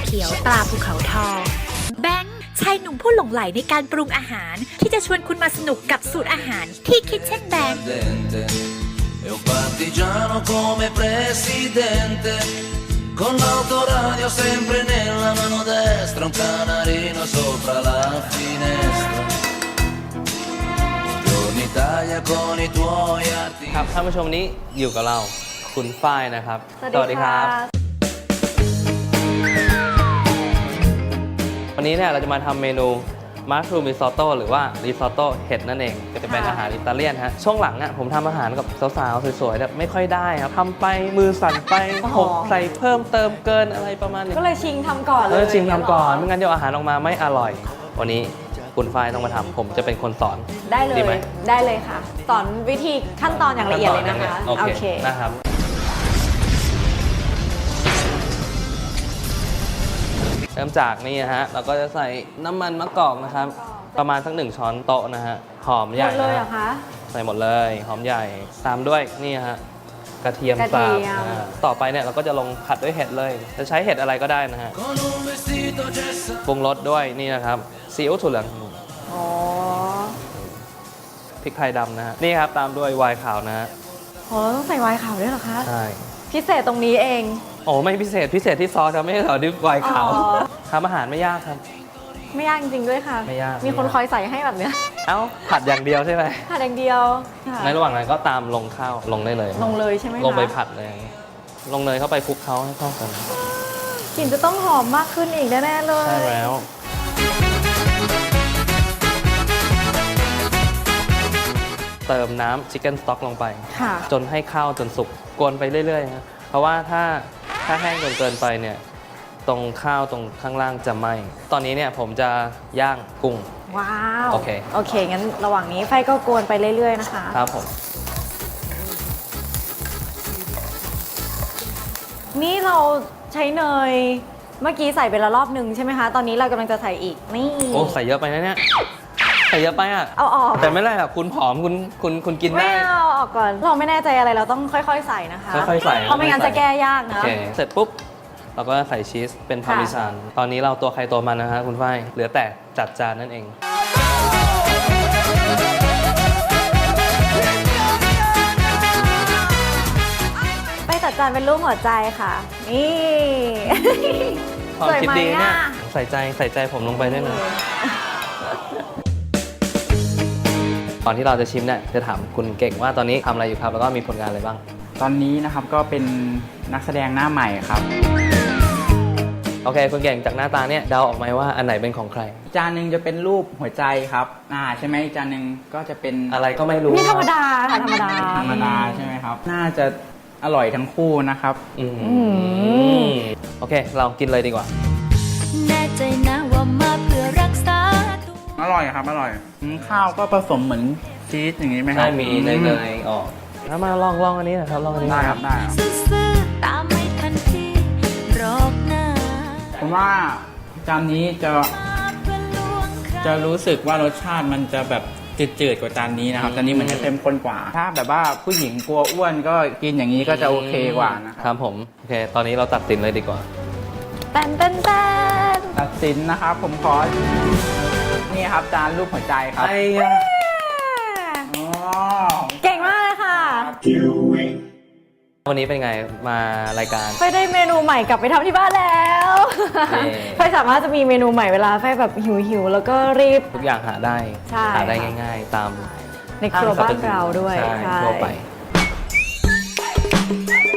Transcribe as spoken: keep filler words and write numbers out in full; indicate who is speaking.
Speaker 1: ขียวตราภูเขาทองแบงค์ชายหนุ่มผู้หลงใหลในการปรุงอาหารที่จะชวนคุณมาสนุกกับสูตรอาหารที่คิดเช่นแบงค์
Speaker 2: Con l'autoradio sempre nella mano destra, un canarino sopra la finestra. Buongiorno Italia con i tuoi arti.
Speaker 3: ครับท่านผู้ชมนี้อยู่กับเราคุณฝ้ายนะครับสวัสดีครับวันนี้เนี่ยเราจะมาทำเมนูมัชรูมริซอตโต้หรือว่าริซอตโต้เห็ดนั่นเองก็จะเป็นอาหารอิตาเลียนฮะช่วงหลังอ่ะผมทำอาหารกับสาวๆสวยๆแบบไม่ค่อยได้ครับทำไปมือสั่นไปหกใส่เพิ่มเติมเกินอะไรประมาณนี้
Speaker 4: ก็เลยชิงทำก่อนเลย
Speaker 3: เออชิงทำก่อนไม่งั้นเดี๋ยวอาหารออกมาไม่อร่อยวันนี้คุณฝ้ายต้องมาทำผมจะเป็นคนสอน
Speaker 4: ได้เลย
Speaker 3: ดีไหม
Speaker 4: ได้เลยค่ะสอนวิธีขั้นตอนอย่างละเอียดเลยนะคะ
Speaker 3: โอเคนะครับเริ่มจากนี่นะฮะเราก็จะใส่น้ำมันมะกอกนะครับประมาณสักหนึ่งช้อนโต๊ะนะฮะหอมใหญ่
Speaker 4: หมดเลยเหรอคะ
Speaker 3: ใส่หมดเลยหอมใหญ่ตามด้วยนี่ฮะกระเทียมสับต่อไปเนี่ยเราก็จะลงผัดด้วยเห็ดเลยจะใช้เห็ดอะไรก็ได้นะฮะปรุงรสด้วยนี่นะครับซีอิ๊วถั่วเหลือง
Speaker 4: อ๋อ
Speaker 3: พริกไทยดำนะฮะนี่ครับตามด้วยไวน์ขาวนะฮะ
Speaker 4: อ๋อต้องใส่ไวน์ขาวด้วยเหรอคะ
Speaker 3: ใช่
Speaker 4: พิเศษตรงนี้เอง
Speaker 3: โอ้ไม่พิเศษพิเศษที่ซอสครับไม่ใช่เหรอดิไวน์ขาวทำอาหารไม่ยากครับ
Speaker 4: ไม่ยากจริงๆด้วยค่ะ
Speaker 3: ไม่ยาก
Speaker 4: มีคนคอยใส่ให้แบบเนี้ย
Speaker 3: เอ้าผัดอย่างเดียวใช่ไหม
Speaker 4: ผัดอย่างเดียว
Speaker 3: ในระหว่างนั้นก็ตามลงข้าวลงได้เลย
Speaker 4: ลงเลยใช่ไหมคะ
Speaker 3: ลงไปผัดเลยลงเนยเข้าไปคลุกเคล้าให้เข้ากัน
Speaker 4: กลิ่นจะต้องหอมมากขึ้นอีกแน่ๆเลย
Speaker 3: ใช่แล้วเติมน้ำชิคเก้นสต๊อกลงไปจนให้ข้าวจนสุกกวนไปเรื่อยๆนะเพราะว่าถ้าถ้าแห้งจนเกินไปเนี่ยตรงข้าวตรงข้างล่างจะไหม้ตอนนี้เนี่ยผมจะย่างกุ้ง
Speaker 4: ว้าว
Speaker 3: โอเค
Speaker 4: โอเคงั้นระหว่างนี้ไฟก็กวนไปเรื่อยๆนะคะ
Speaker 3: ครับผม
Speaker 4: นี่เราใช้เนยเมื่อกี้ใส่ไปละรอบหนึ่งใช่ไหมคะตอนนี้เรากำลังจะใส่อีกนี่
Speaker 3: โอ้ใส่เยอะไปนะเนี่ยใส่เยอะไปอ่ะ
Speaker 4: เอาออก
Speaker 3: แต่ไม่ไรหรอกคุณผอมคุณคุณคุณกินได้
Speaker 4: ไม่เอาออกก่อนเราไม่แน่ใจอะไรเราต้องค่อยๆใส่นะคะ
Speaker 3: ค่อยๆใส่
Speaker 4: เพราะไม่งั้นจะแก้ยากนะ
Speaker 3: โอเคเสร็จปุ๊บเราก็ใส่ชีสเป็นพาร์เมซานตอนนี้เราตัวใครตัวมันนะฮะคุณฝ้ายเหลือแต่จัดจานนั่นเอง
Speaker 4: ไปจัดจานเป็นรูปหัวใจค่ะนี่
Speaker 3: ความคิดดีเนี่ยใส่ใจใส่ใจผมลงไปด้วยนะตอนที่เราจะชิมเนี่ยจะถามคุณเก่งว่าตอนนี้ทำอะไรอยู่ครับแล้วก็มีผลงานอะไรบ้าง
Speaker 5: ตอนนี้นะครับก็เป็นนักแสดงหน้าใหม่ครับ
Speaker 3: โอเคคุณเก่งจากหน้าตาเนี่ยเดาออกไหมว่าอันไหนเป็นของใคร
Speaker 5: จานหนึ่งจะเป็นรูปหัวใจครับอ่าใช่ไหมจานหนึ่งก็จะเป็น
Speaker 3: อะไรก็ไม่รู้
Speaker 4: นี่ธรรมดาธรรมดา
Speaker 5: ธรรมดาใช่ไหมครับน่าจะอร่อยทั้งคู่นะครับ
Speaker 3: อืมโอเคเรากินเลยดีกว่า
Speaker 1: แน่ใจนะว่ามาเพื่อรักษา
Speaker 5: อร่อยครับอร่อยข้าวก็ผสมเหมือนชีสอย่างนี้ไหมครับ
Speaker 3: ใช่มีเนยๆออกถ้ามาลองลองอันนี้นะครับลองอันนี้
Speaker 5: ได้ครับได้
Speaker 1: ตามไม่ทันทีรอบหน้า
Speaker 5: ผมว่าจานนี้จะจะรู้สึกว่ารสชาติมันจะแบบจืดๆกว่าจานนี้นะครับจานนี้มันจะเข้มข้นกว่าถ้าแบบว่าผู้หญิงกลัวอ้วนก็กินอย่างนี้ก็จะโอเคกว่านะครับ
Speaker 3: ผมโอเคตอนนี้เราตัดสินเลยดีกว่า
Speaker 4: เต้นเต้นเต้น
Speaker 5: ตัดสินนะครับผมขอนี่ครับจานรูปหัวใจครับ
Speaker 3: ไอ้
Speaker 4: เก่งมากเลยค่ะ
Speaker 3: วันนี้เป็นไงมารายการ
Speaker 4: ไฟได้เมนูใหม่กลับไปทำที่บ้านแล้วไฟสามารถจะมีเมนูใหม่เวลาไฟแบบหิวๆแล้วก็รีบ
Speaker 3: ทุกอย่างหาได้หาได้ง่ายๆตาม
Speaker 4: ในครัวบ้านเราด้วย
Speaker 3: ใช่ทั่วไป